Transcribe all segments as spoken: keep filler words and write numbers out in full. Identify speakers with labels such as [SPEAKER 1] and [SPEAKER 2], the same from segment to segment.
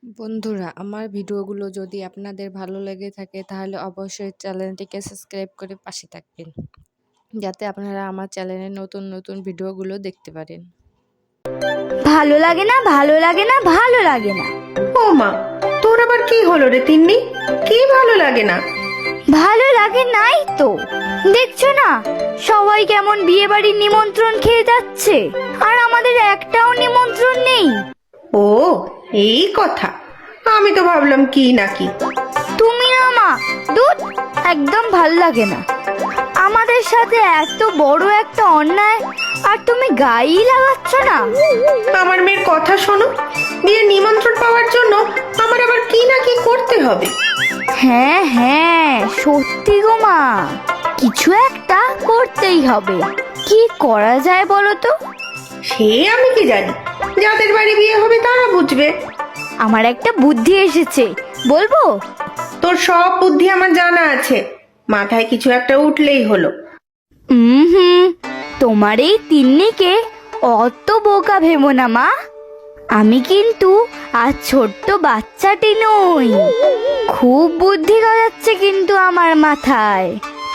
[SPEAKER 1] বন্ধুরা, আমার ভিডিওগুলো যদি আপনাদের ভালো লেগে থাকে তাহলে অবশ্যই চ্যানেলটিকে সাবস্ক্রাইব করে পাশে থাকবেন, যাতে আপনারা আমার চ্যানেলের নতুন নতুন ভিডিওগুলো দেখতে পারেন।
[SPEAKER 2] ভালো লাগে না ভালো লাগে না ভালো লাগে না।
[SPEAKER 3] ও মা, তোর আবার কি হলো রে তিন্নি? কি ভালো লাগে না?
[SPEAKER 2] ভালো লাগে নাই তো, দেখছো না সবাই কেমন বিয়ে বাড়ির নিমন্ত্রণ খেয়ে যাচ্ছে, আর আমাদের একটাও নিমন্ত্রণ নেই।
[SPEAKER 3] ও এই কথা, আমি তো ভাবলাম কি নাকি।
[SPEAKER 2] তুমি না মা, দুধ একদম ভাল লাগে না। আমাদের সাথে এত বড় একটা অন্যায় আর তুমি গায়েই লাগাচ্ছ না।
[SPEAKER 3] আমার মেয়ের কথা শোনো, বিয়ের নিমন্ত্রণ পাওয়ার জন্য আমার আবার কি না কি করতে হবে।
[SPEAKER 2] হ্যাঁ হ্যাঁ সত্যি গো মা, কিছু একটা করতেই হবে। কি করা যায় বলো তো?
[SPEAKER 3] সে আমি কি জানি, যাদের বাড়ি বিয়ে হবে তারা বুঝবে।
[SPEAKER 2] আমার একটা বুদ্ধি এসেছে, বলবো?
[SPEAKER 3] তোর সব বুদ্ধি আমার জানা আছে, মাথায় কিছু একটা উঠলেই হলো।
[SPEAKER 2] হুম তোমার এই তিন্নিকে অত বোকা ভেবো না মা। আমি কিন্তু আর ছোট্ট বাচ্চাটি নই, খুব বুদ্ধি গজাচ্ছে কিন্তু আমার মাথায়।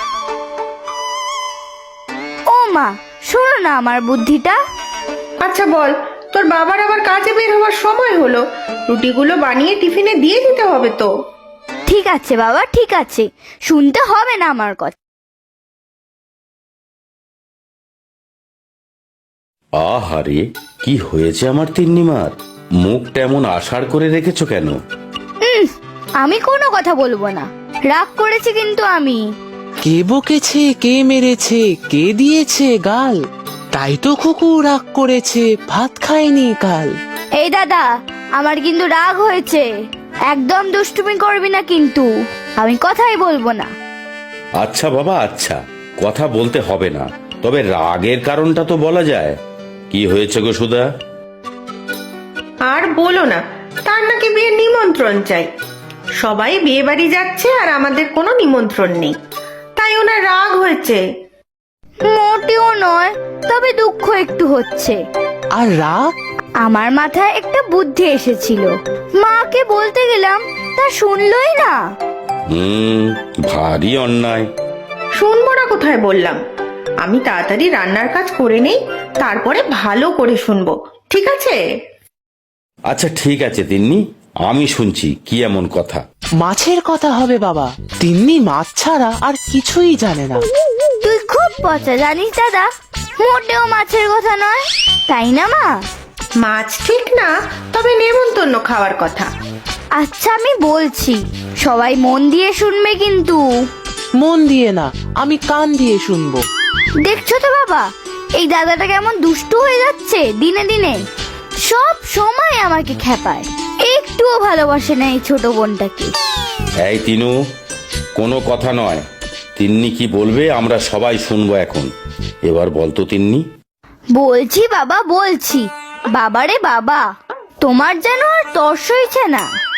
[SPEAKER 2] ও মা, শোনো না আমার বুদ্ধিটা।
[SPEAKER 3] আচ্ছা বল, তোর বাবার আবার কাজে বের হওয়ার সময় হলো, রুটিগুলো বানিয়ে টিফিনে দিয়ে দিতে হবে তো।
[SPEAKER 2] ঠিক আছে বাবা, ঠিক আছে, শুনতে হবে না আমার কথা।
[SPEAKER 4] আহারে, কি হয়েছে আমার তিন্নিমার? মুখটা এমন আষাড় করে রেখেছো কেন?
[SPEAKER 2] উম, আমি কোনো কথা বলবো না, রাগ করেছি কিন্তু আমি।
[SPEAKER 5] কে বকেছে, কে মেরেছে, কে দিয়েছে গাল? তাই তো খুকু রাগ করেছে, ভাত খায়নি কাল।
[SPEAKER 2] এই দাদা, আমার কিন্তু রাগ হয়েছে, একদম দুষ্টুমি করবি না কিন্তু, আমি কথাই বলবো না।
[SPEAKER 4] আচ্ছা বাবা, আচ্ছা, কথা বলতে হবে না, তবে রাগের কারণটা তো বলা যায়। কি হয়েছে গো সুধা?
[SPEAKER 3] আর বলো না, তার নাকি বিয়ের নিমন্ত্রণ চাই। সবাই বিয়ে বাড়ি যাচ্ছে আর আমাদের কোনো নিমন্ত্রণ নেই, তাই ওনার রাগ হয়েছে।
[SPEAKER 2] মোটেও নয়, তবে দুঃখ একটু হচ্ছে।
[SPEAKER 5] আর রাগ?
[SPEAKER 2] আমার মাথায় একটা বুদ্ধি এসেছিল, মাকে বলতে গেলাম, তা শুনলই না।
[SPEAKER 4] হুম ভারী অন্যায়।
[SPEAKER 3] শুনবো না কোথায় বললাম, আমি তাড়াতাড়ি রান্নার কাজ করে নেই, তারপরে ভালো করে শুনবো, ঠিক আছে?
[SPEAKER 4] আচ্ছা ঠিক আছে তিন্নি, আমি শুনছি কি এমন কথা।
[SPEAKER 5] মাছের কথা হবে বাবা, তিন্নি মাছ ছাড়া আর কিছুই জানে না।
[SPEAKER 2] তুই খুব পচা জানিস দাদা, মোটেও মাছের কথা নয়, তাই না মা?
[SPEAKER 3] মাছ ঠিক না, তবে নেমন্তন্ন খাওয়ার কথা।
[SPEAKER 2] আচ্ছা আমি বলছি, সবাই মন দিয়ে শুনবে কিন্তু।
[SPEAKER 5] মন দিয়ে না, আমি কান দিয়ে শুনবো।
[SPEAKER 2] দেখছো তো বাবা, এই দাদাটা কেমন দুষ্টু হয়ে যাচ্ছে দিনে দিনে, সব সময় আমাকে খেপায়, একটুও ভালোবাসে না এই ছোট বোনটাকে।
[SPEAKER 4] এই তিনু, কোনো কথা নয়, তিন্নি কি বলবে আমরা সবাই শুনবো এখন। এবার বলতো তিন্নি।
[SPEAKER 2] বলছি বাবা বলছি, বাবারে বাবা, তোমার যেন আর তর্স হয়েছে না।